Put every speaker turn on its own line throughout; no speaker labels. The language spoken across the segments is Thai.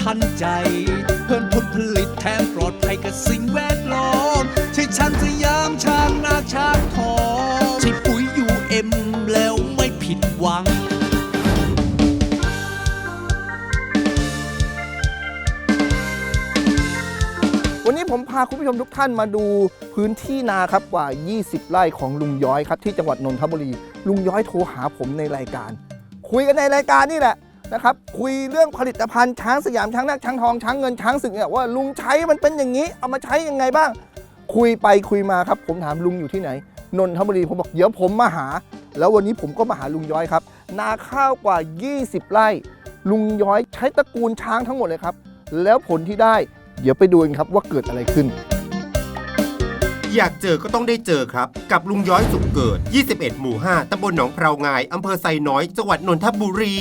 ทันใจเพิ่มผลผลิตแถมปลอดภัยกับสิ่งแวดล้อมใช่ช้างสยามช้างนาช้างทองใช่ปุ๋ยUMแล้วไม่ผิดหวัง
วันนี้ผมพาคุณผู้ชมทุกท่านมาดูพื้นที่นาครับกว่า20ไร่ของลุงย้อยครับที่จังหวัดนนทบุรีลุงย้อยโทรหาผมในรายการคุยกันในรายการนี่แหละนะครับคุยเรื่องผลิตภัณฑ์ช้างสยามช้างนาคช้างทองช้างเงินช้างศึกเนี่ยว่าลุงใช้มันเป็นอย่างนี้เอามาใช้ยังไงบ้างคุยไปคุยมาครับผมถามลุงอยู่ที่ไหนนนทบุรีผมบอกเดี๋ยวผมมาหาแล้ววันนี้ผมก็มาหาลุงย้อยครับนาข้าวกว่า20ไร่ลุงย้อยใช้ตระกูลช้างทั้งหมดเลยครับแล้วผลที่ได้เดี๋ยวไปดูกันครับว่าเกิดอะไรขึ้น
อยากเจอก็ต้องได้เจอครับกับลุงย้อยสุขเกิด21หมู่5ตำบลหนองพราวงายอำเภอไซน้อยจังหวัดนนทบุรี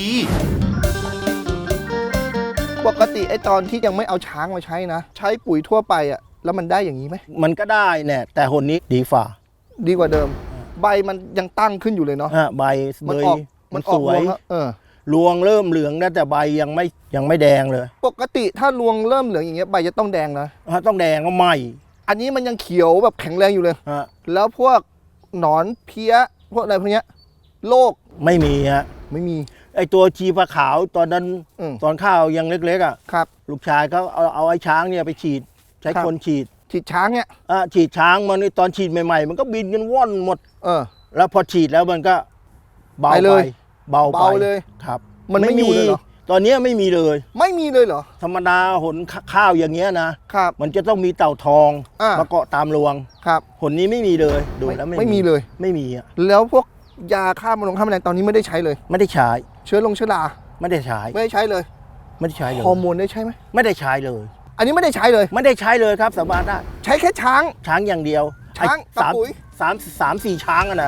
ปกติไอ้ตอนที่ยังไม่เอาช้างมาใช้นะใช้ปุ๋ยทั่วไปอ่ะแล้วมันได้อย่างนี้ไหม
มันก็ได้เนี่ยแต่หนนี้ดีฝ่า
ดีกว่าเดิมใบมันยังตั้งขึ้นอยู่เลยเนาะ
ใบเลย
มัน
สวยรวงเริ่มเหลืองนะแต่ใบยังไม่แดงเลย
ปกติถ้ารวงเริ่มเหลืองอย่างเงี้ยใบจะต้องแดงนะ
ต้องแดงก็ไหม
อันนี้มันยังเขียวแบบแข็งแรงอยู่เลยแล้วพวกหนอนเพี้ยพวกอะไรพวกเนี้ยโรค
ไม่มีฮะ
ไม่มี
ไอตัวชีปลาขาวตอนนั้นตอนข้าวยังเล็กๆอ่ะ
ครับ
ลูกชายเขาเอาไอ้ช้างเนี่ยไปฉีดใช้คนฉีด
ช้างเนี่ย
ฉีดช้างมันตอนฉีดใหม่ๆมันก็บินกันว่อนหมดแล้วพอฉีดแล้วมันก็เบาไปเบา
เลย
ครับ
มันไม่มีเลยเหรอ
ตอนนี้ไม่มีเลย
ไม่มีเลยเหรอ
ธรรมดาหนข้าวอย่างเงี้ยนะครับมันจะต้องมีเต่าทองมาเกาะตามรวง
ครับ
หนนี้ไม่มีเลยดูแล้ว
ไม่มีเลย
ไม่มีอ่ะ
แล้วพวกยาฆ่าแมลงตอนนี้ไม่ได้ใช้เลย
ไม่ได้ใช้
เชื้อรา
ไม่ได้ใช้
ไม่ได้ใช้เลย
ไม่ได้ใช้เลย
ฮอร์โมนได้ใช้ไหม
ไม่ได้ใช้เลย
อันนี้ไม่ได้ใช้เลย
ไม่ได้ใช้เลยครับสาบานได้
ใช้แค่ช้าง
อย่างเดียว
ช้างกับปุ๋ย
3-4 ช้างอ่ะนะ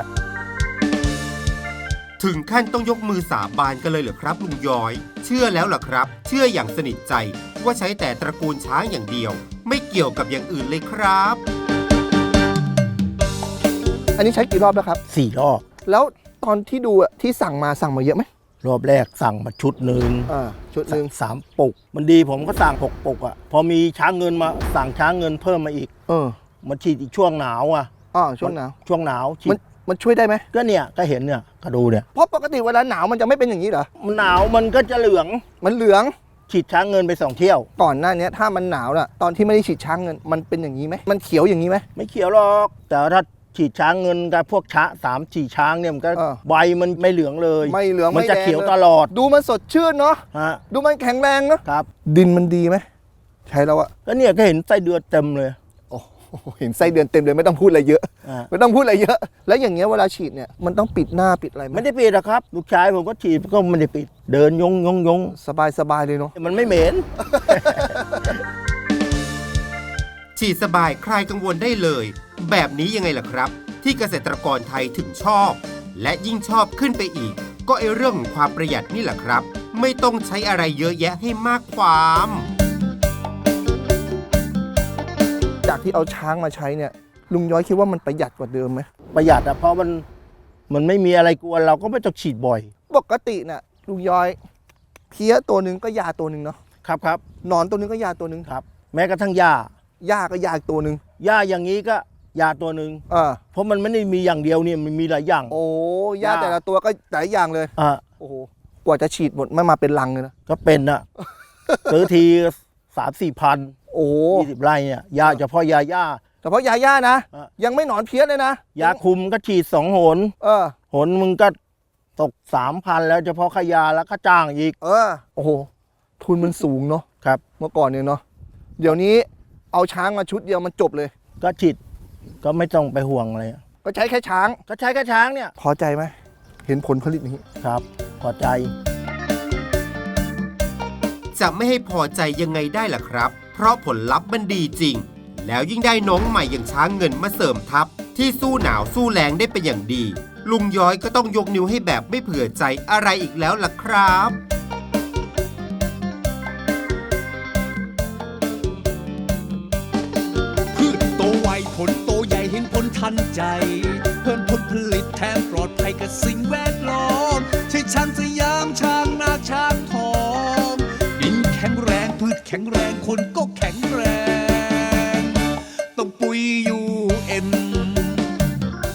ถึงขั้นต้องยกมือสาบานกันเลยเหรอครับลุงย้อยเชื่อแล้วเหรอครับเชื่ออย่างสนิทใจว่าใช้แต่ตระกูลช้างอย่างเดียวไม่เกี่ยวกับอย่างอื่นเลยครับ
อันนี้ใช้กี่รอบแล้วครับ
4 รอบ
แล้วตอนที่ดูที่สั่งมาเยอะไหม
รอบแรกสั่งมาชุดหนึ่ง3 ปุกมันดีผมก็สั่ง6 ปุกอ่ะพอมีช้างเงินมาสั่งช้างเงินเพิ่มมาอีกมาฉีดอีกช่วงหนาวอ่ะ
ช่วงหนาว
ฉีด
มันช่วยได้ไหม
ก็เนี่ยก็เห็นเนี่ยก็ดูเนี่ย
เพราะปกติเวลาหนาวมันจะไม่เป็นอย่างนี้เหรอ
มันหนาวมันก็จะเหลืองฉีดช้างเงินไป2 เที่ยว
ก่อนหน้านี้ถ้ามันหนาวน่ะตอนที่ไม่ได้ฉีดช้างเงินมันเป็นอย่างนี้ไหมมันเขียวอย่างนี้ไหม
ไม่เขียวหรอกแต่ถ้าฉีดช้างเงินกับพวก3-4 ช้างเนี่ยมันก็ใบมันไม่เหลืองเลย
ไม่เหลือง
มันจะเขียวตลอด
ดูมันสดชื่นเนาะดูมันแข็งแรงเนาะ
ครับ
ดินมันดีไหมใช้แล้วอะ
ก็เนี่ยก็เห็นไส้เดือนเต็มเลย
เห็นไส้เดือนเต็มเลยไม่ต้องพูดอะไรเยอะไม่ต้องพูดอะไรเยอะแล้วอย่างเงี้ยเวลาฉีดเนี่ยมันต้องปิดหน้าปิดอะไรไหม
ไม่ได้ปิดหรอกครับลูกชายผมก็ฉีดก็ไม่ได้ปิดเดินยง
สบายเลยเนาะ
มันไม่เหม็น
ฉีดสบายคลายกังวลได้เลยแบบนี้ยังไงล่ะครับที่เกษตรกรไทยถึงชอบและยิ่งชอบขึ้นไปอีกก็เรื่องของความประหยัดนี่แหละครับไม่ต้องใช้อะไรเยอะแยะให้มากความ
จากที่เอาช้างมาใช้เนี่ยลุงย้อยคิดว่ามันประหยัดกว่าเดิมไหม
ประหยัดเพราะมันไม่มีอะไรกวนเราก็ไม่ต้องฉีดบ่อย
ปกติน่ะลุงย้อยเพี้ยตัวนึงก็ยาตัวนึงเนาะ
ครับ
หนอนตัวนึงก็ยาตัวนึง
ครับแม้กระทั่งหญ้า
ก็ยาตัวนึง
หญ้าอย่างนี้ก็ยาตัวนึงเพราะมันไม่ได้มีอย่างเดียวเนี่ยมันมีหลายอย่าง
โอ้ยาแต่ละตัวก็หลายอย่างเลยโอ้โหกว่าจะฉีดหมดไม่มาเป็นลังเลยนะ
ก็เป็นนะซื้อที3-4 พัน
โอ้
20 ไร่เนี่ยยาเฉพาะยา
นะยังไม่หนอนเพี้ยเลยนะ
ยาคุมก็ฉีด2 หนหนมึงก็ตก 3,000 แล้วเฉพาะขยาแล้วก็จ้างอีก
โอ้โหทุนมันสูงเนาะ
ครับ
เมื่อก่อนเนี่ยเนาะเดี๋ยวนี้เอาช้างมาชุดเดียวมันจบเลย
ก็ฉีดก็ไม่ต้องไปห่วงอะไร
ก็ใช้แค่ช้าง
เนี่ย
พอใจไหมเห็นผลผลิตนี้
ครับพอใจ
จะไม่ให้พอใจยังไงได้ล่ะครับเพราะผลลัพธ์มันดีจริงแล้วยิ่งได้น้องใหม่อย่างช้างเงินมาเสริมทัพที่สู้หนาวสู้แรงได้เป็นอย่างดีลุงย้อยก็ต้องยกนิ้วให้แบบไม่เผื่อใจอะไรอีกแล้วล่ะครับ
พืชโตไวผลโตใหญ่เห็นผลทันใจเพิ่มผลผลิตแถมปลอดภัยกับสิ่งแวดล้อมใช่ช้างสยามช้างนาช้างทองดินแข็งแรงพืชแข็งแรงคนก็แข็ง